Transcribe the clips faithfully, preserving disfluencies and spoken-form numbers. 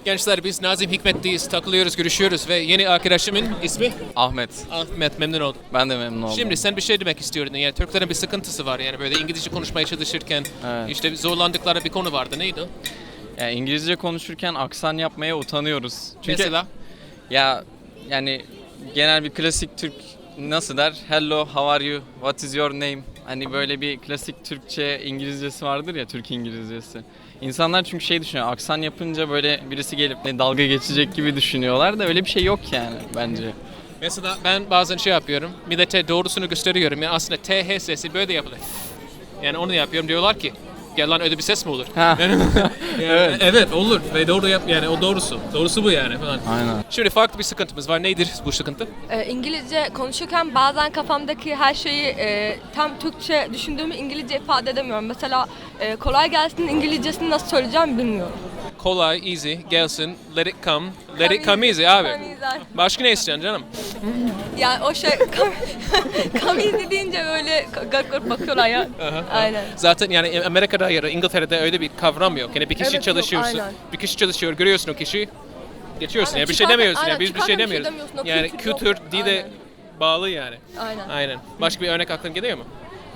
Gençler biz Nazım Hikmet'teyiz, takılıyoruz, görüşüyoruz ve yeni arkadaşımın ismi? Ahmet. Ahmet, memnun oldum. Ben de memnun oldum. Şimdi sen bir şey demek istiyordun. Yani Türklerin bir sıkıntısı var yani böyle İngilizce konuşmaya çalışırken Evet. işte zorlandıkları bir konu vardı. Neydi o? Yani İngilizce konuşurken aksan yapmaya utanıyoruz. Çünkü Mesela? ya yani genel bir klasik Türk nasıl der? Hello, how are you? What is your name? Hani böyle bir klasik Türkçe İngilizcesi vardır ya, Türk İngilizcesi. İnsanlar çünkü şey düşünüyor, aksan yapınca böyle birisi gelip ne dalga geçecek gibi düşünüyorlar da öyle bir şey yok yani bence. Mesela ben bazen şey yapıyorum, millete doğrusunu gösteriyorum. Yani aslında T H sesi böyle yapılır. Yani onu yapıyorum, diyorlar ki gel lan öyle bir ses mi olur? Ha. Yani, evet. evet olur ve doğru yap yani o doğrusu. Doğrusu bu yani falan. Aynen. Şimdi farklı bir sıkıntımız var. Nedir bu sıkıntı? Ee, İngilizce konuşurken bazen kafamdaki her şeyi e, tam Türkçe düşündüğümü İngilizce ifade edemiyorum. Mesela e, kolay gelsin İngilizcesini nasıl söyleyeceğim bilmiyorum. Kolay, easy, gelsin, let it come, let Come it come easy, easy abi. come easy. Başka ne istiyorsun canım? Yani o şey come easy deyince böyle garip garip bakıyorlar ya. Aynen. Zaten yani Amerika'da ya da İngiltere'de öyle bir kavram yok. Yani bir kişi Evet, yok, çalışıyorsun, aynen. bir kişi çalışıyor, görüyorsun o kişiyi, geçiyorsun. Aynen, Yani bir şey çıkarken- demiyorsun. aynen, Yani biz bir şey çıkarken bir şey demiyoruz. demiyorsun, o Yani kültür yok. kültür, dile Aynen. bağlı yani. Aynen. Aynen. Başka bir örnek aklına geliyor mu?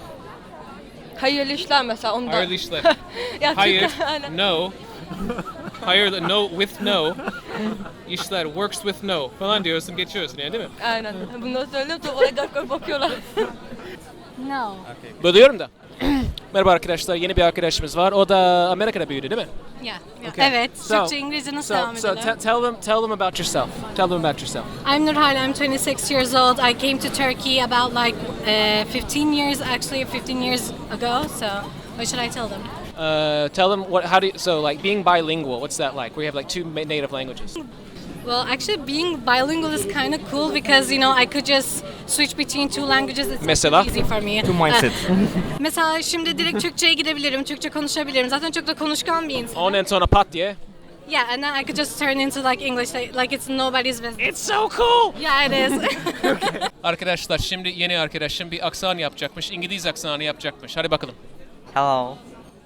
Hayırlı işler mesela ondan. Hayırlı işler. Ya Hayır, Türkler- aynen. no. Hayır, no with no. İşler works with no falan diyorsun, geçiyorsun yani değil mi? Aynen. Bunları söylüyorum sonra oraya garip garip bakıyorlar. No. Bölüyorum da. Merhaba arkadaşlar, yeni bir arkadaşımız var. O da Amerika'da büyüdü değil mi? Yeah. Okay. Evet. So- Türkçe İngilizce nasıl So, devam so edelim? te- tell them, tell them about yourself. Tell them about yourself. I'm Nurhan. I'm twenty-six years old. I came to Turkey about like uh, fifteen years, actually fifteen years ago. So what should I tell them? Uh, tell them what, how do you, so like being bilingual, what's that like? We have like two ma- native languages. Well, actually being bilingual is kind of cool because you know I could just switch between two languages. It's Mesela? easy for me. Two mindset. Uh, mesela şimdi direkt Türkçe'ye gidebilirim, Türkçe konuşabilirim. Zaten çok da konuşkan bir insanım. Ondan sonra pat diye. Yeah, and then I could just turn into like English, like, like it's nobody's business. It's so cool. Yeah, it is. Arkadaşlar şimdi yeni arkadaşım bir aksan yapacakmış. İngiliz aksanı yapacakmış. Hadi bakalım. Hello.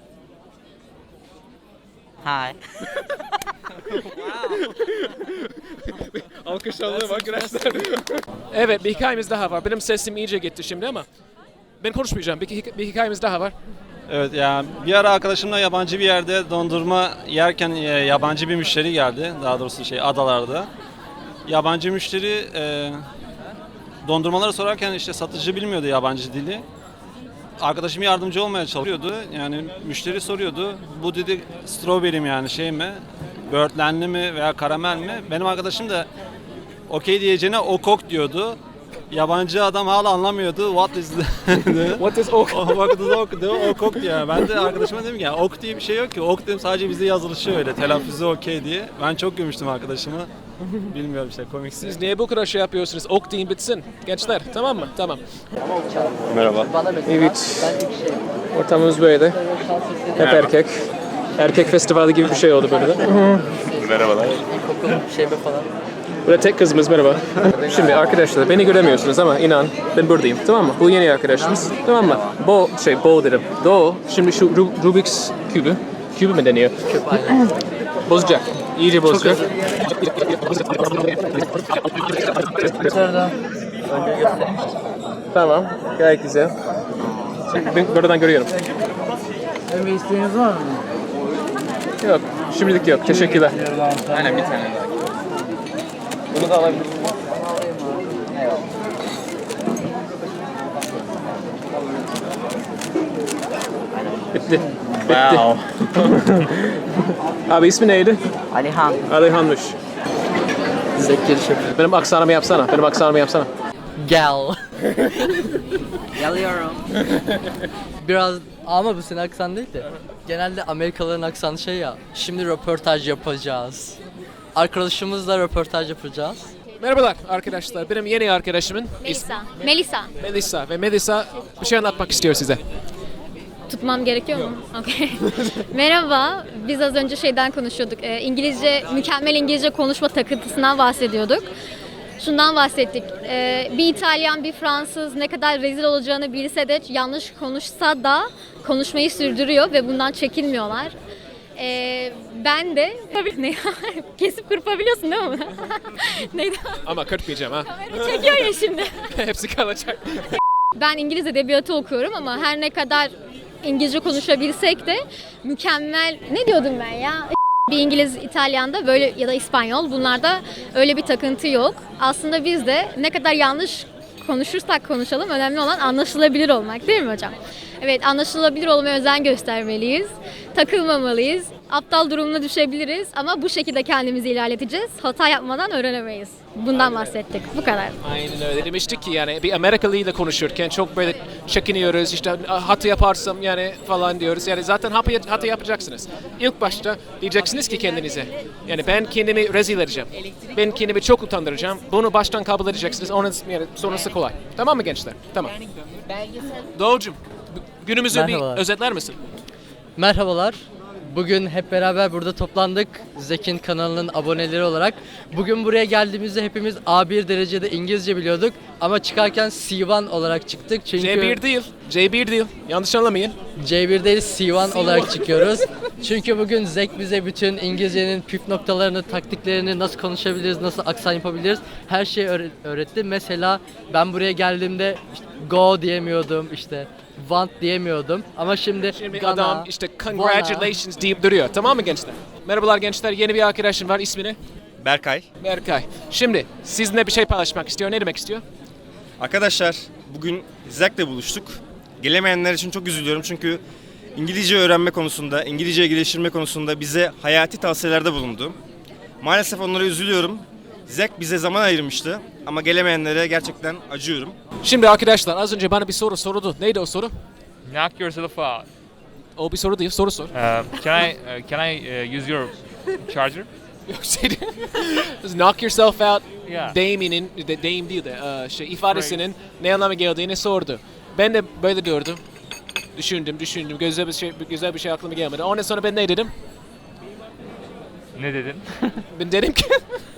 Hi. Alkışlanalım arkadaşlar. Evet, bir hikayemiz daha var. Benim sesim iyice gitti şimdi ama ben konuşmayacağım. Bir, hik- bir hikayemiz daha var. Evet yani bir ara arkadaşımla yabancı bir yerde dondurma yerken e, yabancı bir müşteri geldi. Daha doğrusu şey adalarda. Yabancı müşteri e, dondurmaları sorarken işte satıcı bilmiyordu yabancı dili. Arkadaşım yardımcı olmaya çalışıyordu. Yani müşteri soruyordu. Bu dedi strawberry mi yani şey mi? Böğürtlenli mi veya karamel mi? Benim arkadaşım da okey diyeceğine okok diyordu. Yabancı adam hala anlamıyordu. What is the... What is ok? O What is ok diyor, ok diyor. Ben de arkadaşıma dedim ki ya ok diye bir şey yok ki. Ok dedim sadece bizde yazılışı öyle. Telaffuzu okey diye. Ben çok gülmüştüm arkadaşıma. Bilmiyorum işte komik. Siz niye bu kadar şey yapıyorsunuz? Ok deyin bitsin. Gençler tamam mı? Tamam. Merhaba. Evet. Ortamımız böyle. Hep erkek. Erkek festivali gibi bir şey oldu böyle de. Merhabalar. Burada tek kızımız merhaba. Şimdi arkadaşlar beni göremiyorsunuz ama inan ben buradayım tamam mı? Bu yeni arkadaşımız tamam mı? Bo şey Bo dedim. Do şimdi şu Ru- Rubik's kübü. Kübü mü deniyor? Küp aynen. Bozacak. İyice bozacak. Tamam. Gayet güzel. Ben buradan görüyorum. Bir isteğiniz var mı? Yok. Şimdilik yok. Teşekkürler. Aynen bir tane daha. Bunu da alabilirim. Bitti. Wow. Abi ismi neydi? Alihan. Alihan'mış. Zekeri Şefik. Benim aksanımı yapsana. Benim aksanımı yapsana. Gel. Geliyorum. Biraz ama bu senin aksan değil de. Genelde Amerikalıların aksanı şey ya. Şimdi röportaj yapacağız. Arkadaşımızla röportaj yapacağız. Merhabalar arkadaşlar. Benim yeni arkadaşımın ismi Melisa. Melisa. Melisa. Ve Melisa bir şey anlatmak istiyor size. Tutmam gerekiyor mu? Okay. Merhaba. Biz az önce şeyden konuşuyorduk. Ee, İngilizce, mükemmel İngilizce konuşma takıntısından bahsediyorduk. Şundan bahsettik. Ee, bir İtalyan, bir Fransız ne kadar rezil olacağını bilse de yanlış konuşsa da konuşmayı sürdürüyor ve bundan çekinmiyorlar. Ee, ben de tabii ne kesip kırpabiliyorsun değil mi bunu? Neydi? Ama kırpmayacağım ha. Çekiyor ya şimdi. Hepsi kalacak. Ben İngiliz edebiyatı okuyorum ama her ne kadar İngilizce konuşabilsek de mükemmel ne diyordum ben ya? Bir İngiliz, İtalyan'da böyle ya da İspanyol bunlarda öyle bir takıntı yok. Aslında biz de ne kadar yanlış konuşursak konuşalım önemli olan anlaşılabilir olmak değil mi hocam? Evet, anlaşılabilir olmaya özen göstermeliyiz. Takılmamalıyız. Aptal durumuna düşebiliriz ama bu şekilde kendimizi ilerleteceğiz. Hata yapmadan öğrenemeyiz. Bundan bahsettik. Bu kadar. Aynen öyle. Demiştik ki yani bir Amerikalı ile konuşurken çok böyle çekiniyoruz. İşte hata yaparsam yani falan diyoruz. Yani zaten hata, hata yapacaksınız. İlk başta diyeceksiniz ki kendinize. Yani ben kendimi rezil edeceğim. Ben kendimi çok utandıracağım. Bunu baştan kabul edeceksiniz. Onun yani sonrası kolay. Tamam mı gençler? Tamam. Doğucum, günümüzü Merhabalar. bir özetler misin? Merhabalar. Bugün hep beraber burada toplandık. Zek'in kanalının aboneleri olarak. Bugün buraya geldiğimizde hepimiz A bir derecede İngilizce biliyorduk. Ama çıkarken C bir olarak çıktık. Çünkü C bir değil. C bir değil. Yanlış anlamayın. C bir değil C bir olarak çıkıyoruz. Çünkü bugün Zek bize bütün İngilizcenin püf noktalarını, taktiklerini, nasıl konuşabiliriz, nasıl aksan yapabiliriz her şeyi öğre- öğretti. Mesela ben buraya geldiğimde işte go diyemiyordum, işte want diyemiyordum. Ama şimdi, Şimdi gonna, adam işte congratulations deyip duruyor. Tamam mı gençler? Merhabalar gençler. Yeni bir arkadaşım var. İsmi ne? Berkay. Berkay. Şimdi sizinle bir şey paylaşmak istiyor. Ne demek istiyor? Arkadaşlar bugün Zek'le buluştuk. Gelemeyenler için çok üzülüyorum çünkü İngilizce öğrenme konusunda, İngilizceyi geliştirme konusunda bize hayati tavsiyelerde bulundu. Maalesef onlara üzülüyorum. Zek bize zaman ayırmıştı ama gelemeyenlere gerçekten acıyorum. Şimdi arkadaşlar az önce bana bir soru soruldu. Neydi o soru? Knock yourself out. O bir soru değil. Soru sor. Uh, can I uh, can I uh, use your charger? Yok şey değil. Knock yourself out. Yeah. Deyiminin, de, deyim değil de e, şey, ifadesinin ne anlama geldiğini sordu. Ben de böyle diyordum. Düşündüm, düşündüm. Güzel bir şey, güzel bir şey aklıma gelmedi. Ondan sonra ben ne dedim? Ne dedin? Ben dedim ki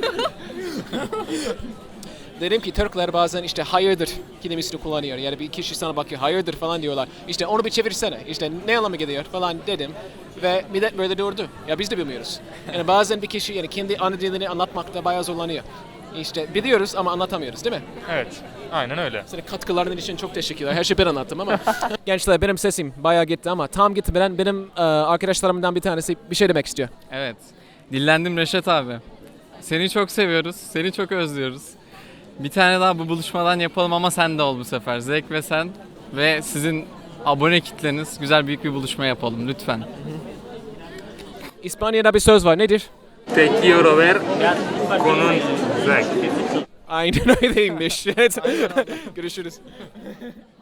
dedim ki Türkler bazen işte hayırdır kelimesini kullanıyor. Yani bir kişi sana bakıyor hayırdır falan diyorlar. İşte onu bir çevirsene. İşte ne anlama geliyor falan dedim. Ve millet böyle durdu. Ya biz de bilmiyoruz. Yani bazen bir kişi yani kendi ana dilini anlatmakta bayağı zorlanıyor. İşte biliyoruz ama anlatamıyoruz değil mi? Evet. Aynen öyle. Senin katkılarının için çok teşekkürler. Her şeyi ben anlattım ama. Gençler benim sesim bayağı gitti ama tam gitmeden benim e, arkadaşlarımdan bir tanesi bir şey demek istiyor. Evet. Dillendim Reşat abi. Seni çok seviyoruz. Seni çok özlüyoruz. Bir tane daha bu buluşmadan yapalım ama sen de ol bu sefer. Zek ve sen ve sizin abone kitleniz güzel büyük bir buluşma yapalım lütfen. İspanya'da bir söz var. Nedir? Te quiero ver con un Zek. Aynen öyleymiş. Evet. Görüşürüz.